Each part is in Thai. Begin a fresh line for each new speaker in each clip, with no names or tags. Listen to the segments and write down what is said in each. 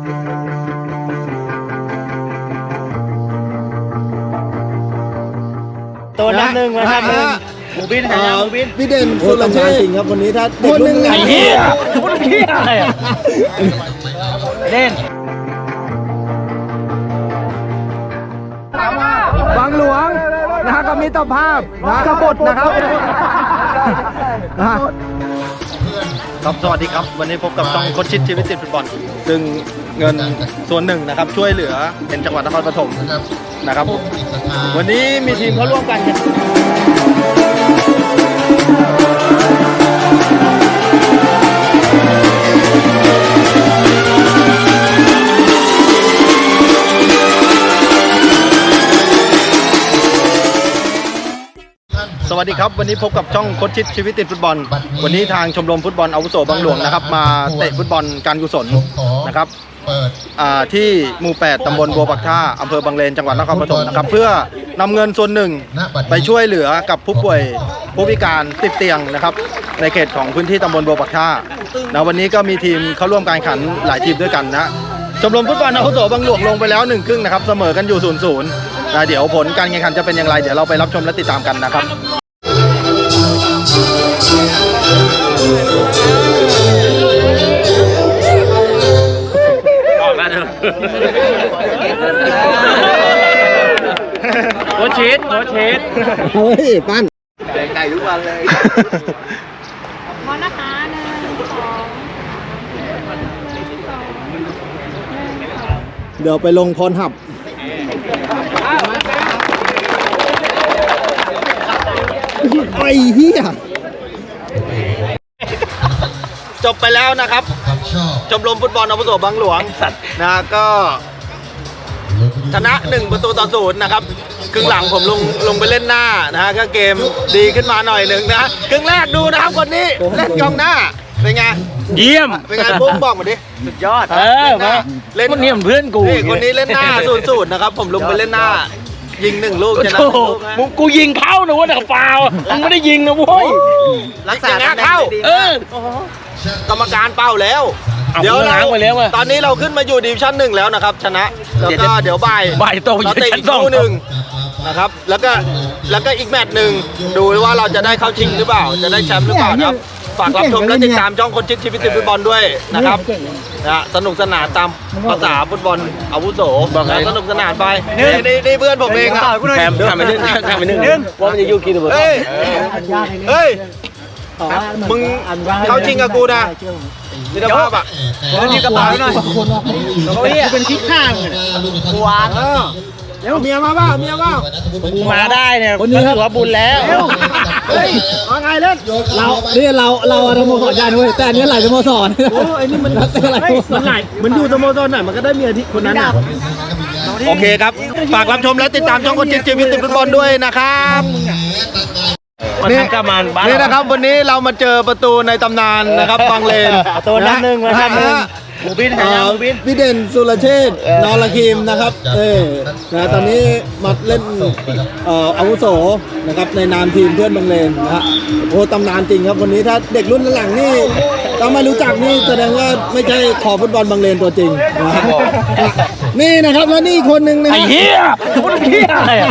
ตัวนับหนึ่งมาครับหมูบินหายหมูบิน
พี่เด่นสุรเชษฐ์จริงครับวันนี้ถ้าเด็กรุ่นใหม่
ไอ้เหี้ยคนเหี้ยอะไรอ่ะเด่น
บางหลวงนะฮะกับมิตรภาพนะกบฏนะครับ
ครับสวัสดีครับวันนี้พบกับช่องโค้ชชิดชีวิตติดฟุตบอลซึ่งเงินส่วนหนึ่งนะครับช่วยเหลือเป็นจังหวัดนครปฐมนะครับวันนี้มีทีมเขาร่วมกันสวัสดีครับวันนี้พบกับช่องโค้ชชิดชีวิตติดฟุตบอลวันนี้ทางชมรมฟุตบอลอาวุโสบางหลวงนะครับมาเตะฟุตบอลการกุศลนะครับที่หมู่ 8 ตำบลบัวปักท่าอำเภอบางเลนจังหวัดนครปฐมนะครับเพื่อนำเงินส่วนหนึ่งไปช่วยเหลือกับผู้ป่วยผู้พิการติดเตียงนะครับในเขตของพื้นที่ตำบลบัวปักท่านะวันนี้ก็มีทีมเข้าร่วมการแข่งขันหลายทีมด้วยกันนะชมรมฟุตบอลอาวุโสบางหลวงลงไปแล้ว1 ครึ่งนะครับเสมอกันอยู่0-0นะเดี๋ยวผลการแข่งขันจะเป็นอย่างไรเดี๋ยวเราไปรับชมและติดตามกันนะครับ
โคชชิด
เฮ้ยปั้น
แดงไก่ทุกวันเลย
พอนะคะ
เดี๋ยวไปลงพรหับไอ้เหี้ย
จบไปแล้วนะครับชมรมฟุตบอลอาวุโสบางหลวงนะก็ชนะ1-0นะครับครึ่งหลังผมลงไปเล่นหน้านะฮะก็เกมดีขึ้นมาหน่อยหนึ่งนะครึ่งแรกดูนะครับคนนี้เล่นกองหน้าเป็นไง
เยี่ยม
เป็นไงปุ๊บบอกมาดิสุดยอด
มาเล่นคนนี้เพื่อนกู
คนนี้เล่นหน้า0-0นะครับผมลงไปเล่นหน้ายิง1 ลูกชนะ
มึงกูยิงเข้านะว่าแต่ฟาวมึงไม่ได้ยิงนะเว้ย
รักษาเข้ากรรมการเป้าแล้วเดี๋ยวตอนนี้เราขึ้นมาอยู่ดิวิชั่น1แล้วนะครับชนะแล้วก็เดี๋ยวบ่าย
โต
เราเตะอีกคู่หนึ่งนะครับแล้วก็อีกแมตช์หนึ่งดูว่าเราจะได้เข้าชิงหรือเปล่าจะได้แชมป์หรือเปล่าครับฝากรับชมและติดตามช่องคนชิดชีวิตติดฟุตบอลด้วยนะครับสนุกสนานตามภาษาฟุตบอลอาวุโสสนุกสนานไปนี่เพื่อนผมเองครับ
แถมไปนึงว่ามันจะยุ่งกินหรือเปล่า
เฮ้ยมึงเข้าชิงกับกูนะมิตรภาพอ่ะ
นี่กระเป๋าหน่อยเขาเป็นที่ข้างกูวาง
เดี๋ยวเมียมาบ้า
กูมาได้เนี่ยคนนี้ถือว่าบุญแล้ว
เฮ้ยว่าไงเล่นเราสโมสรใหญ่ด้วยแต่อันนี้หลายสโมสรโอ้ไอ้นี่มันมันอยู่สโมสรไหนมันก็ได้เมียที่คนนั้น
โอเคครับฝากรับชมและติดตามช่องคนชิดชีวิตติดฟุตบอลด้วยนะครับนี่นะครับวันนี้เรามาเจอประตูในตำนานนะครับบางเลน
ตัวนับหนึ่งมาครับหมูบินหายหมูบิน
พี่เด่นสุรเชษฐ์นรคิมนะครับนะตอนนี้มาเล่นอาวุโสนะครับในนามทีมเพื่อนบางเลนนะฮะโอ้ตำนานจริงครับวันนี้ถ้าเด็กรุ่นหลังนี่ถ้าไม่รู้จักนี่แสดงว่าไม่ใช่คอฟุตบอลบางเลนตัวจริงนะครับนี่นะครับแล้วนี่คนหนึ่งนะ
ไอ้เหี้ยคนเหี้ยอะไรอ่ะ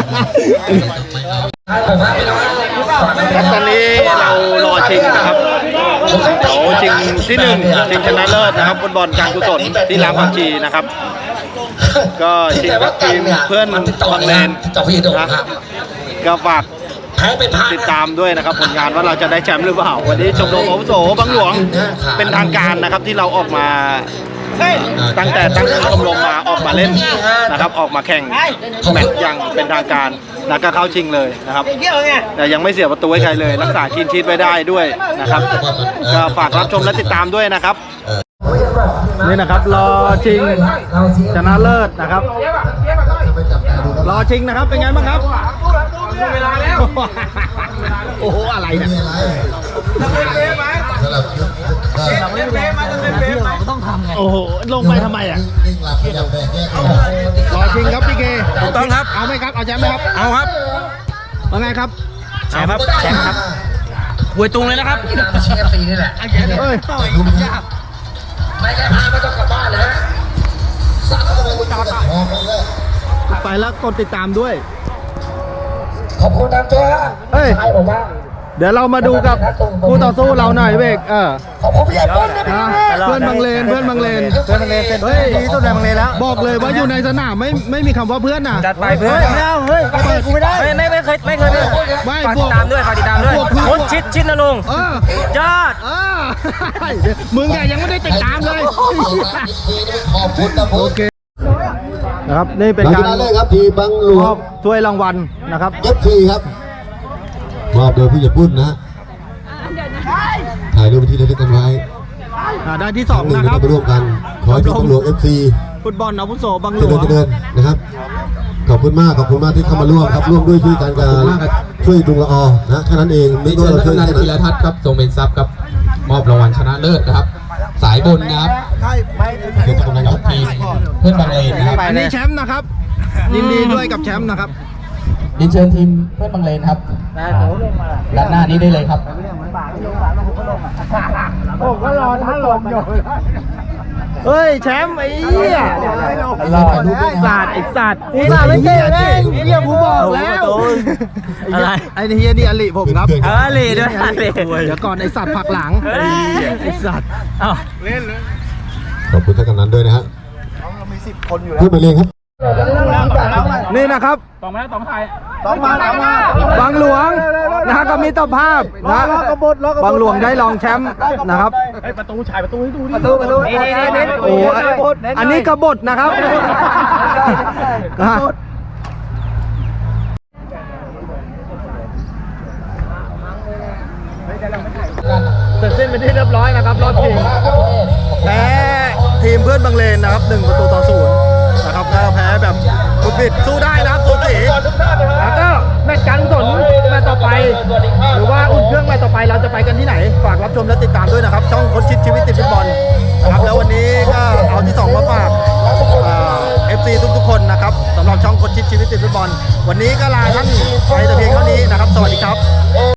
ตอนนี้เรารอชิงนะครับชิงที่1ชิงชนะเลิศนะครับฟุตบอลการกุศลที่รามผักชีนะครับก็ชิงกับทีมเพื่อนบางเลนนะก็ฝากติดตามด้วยนะครับผลงานว่าเราจะได้แชมป์หรือเปล่าวันนี้ชมรมอาวุโสบางหลวงเป็นทางการนะครับที่เราออกมาตั้งชมรมมาออกมาเล่นนะครับออกมาแข่งแมตช์อย่างเป็นทางการแล้วก็เข้าชิงเลยนะครับแต่ยังไม่เสียประตูให้ใครเลยรักษาคลีนชีทไว้ได้ด้วยนะครับก็ฝากรับชมและติดตามด้วยนะครับนี่นะครับรอชิงชนะเลิศนะครับรอชิงนะครับเป็นไงบ้างครับโอ้โหอะไรเนี่ย
ต้องทำไง
โอ้โหลงไปทำไมอ่ะรอชิงครับพี่เก
ถูกต้องครับ
เอาไหมครับเอาแชมป์ไหมครับ
เอาครับ
ว่าไงครับ
แชมป์ครับหวยตุงเลยนะครับ
เชฟซีนี่แหละ
เฮ้ย
ไม่แก้ผ้าไม่ต้องกลับบ้านเลยฮะ
ไปแล้วกดติดตามด้วย
ขอบคุณทางตัว
เอ้ย
ใช่ผมว่า
เดี๋ยวเรามาดูกับคู่ต่อสู้เราหน่อยเวก
ขอบคุณพี่ใหญ่เปิ้ลนะพี่
เพื่อนบางเลนเพื่อนบางเลนเฮ้ยดีสุดในบางเลนแล้วบอกเลยว่าอยู่ในสนามไม่มีคำว่าเพื่อนนะ
จัดไปเพื่อนไม่เอาเฮ้ยกูไม่ได้ไม่เคยไม่
ไม่
ฝาก
บ
ติ
ว
ด
ก
ตามด้วยฝากติดตามด้วย
บวกคือ
คนชิดนะลุง ยอด
มึงไงยังไม่ได้ติดตามเลย
ขอบคุณนะผม
โอเคนะครับนี่เป็น
หลัง
กา
จาก
ร
นั้นเลยครับทีมบางหล
ม
ว
อง บถ้วยรางวัลนะครับ
FC ครับมอบโดยผู้ใหญ่ปุ้นนะฮะถ่ายรูปที่ระลึกกันไว้
ได้ที่
ครั้งห
2
นึ่ง
นะค
เรา
รับ
ไปร่วมกันขอให้ทีมบางหลวง FC
ฟุตบอลอาวุโสบางหล
เจริ
ว
ญ
ง
เจริญนะครับขอบคุณมากที่เข้ามาร่วมครับร่วมด้วยช่วยกันการช่วยดุงละออนะแค่นั้นเองไม่
เชิ
ว่า
ญ
เราช่
ท่า
วย
น
กัน
ธีรทัศน์ครับทรงเป็นทรัพย์ครับมอบรางวัลชนะเลิศนะครับ สายบนนะครับ
เดี๋ยวจะกำลังครับ
ทีมเพื่อนบางเลนนะครับ
อันนี้แชมป์นะครับยินดีด้วยกับแชมป์นะครับ
เรียนเชิญทีมเพื่อนบางเลนครับด้านหน้านี้ได้เลยครับ
เฮ้ยแชมป์ไอ้เหี้ย
รอดูด้วยนะ
สัตว์ไอ้สัตว์ไอ้สัตว์ไม่เก่งเองเหี้ยกูบอกแล้ว
อะไร
ไอ้เฮียนี่อลิผมครับ
อลิด้วยอลิ
เดี๋ยวก่อนไอ้สัตว์ผักหลังไอ้สัตว์
เอ้า
ขอบคุณท่านกำนันด้วยนะฮะเพื่อนไปเรียนครับ
นี่นะครับบางหลวงนะฮะก็มีเจ้าภาพนะบางหลวงได้รองแชมป์นะครับประตูโอ้อันนี้กบฏนะครับนะฮะเสร็จสิ้นเป็นที่เรียบร้อยนะครับรอบชิงแพ้ทีมเพื่อนบางเลนนะครับ1-0นะครับก็แพ้แบบสุดบิดสู้ได้นะครับสูสีแล้วก็แมตช์การกุศลแมตช์ต่อไป หรือว่าอุ่นเครื่องแมตช์ต่อไปเราจะไปกันที่ไหนฝากรับชมและติดตามด้วยนะครับช่องคนชิดชีวิตติดฟุตบอลนะครับแล้ววันนี้ก็เอาที่ 2 มาฝากFC ทุกๆคนนะครับสำหรับช่องคนชิดชีวิตติดฟุตบอลวันนี้ก็ลาท่านไปแต่เพียงเท่านี้นะครับสวัสดีครับ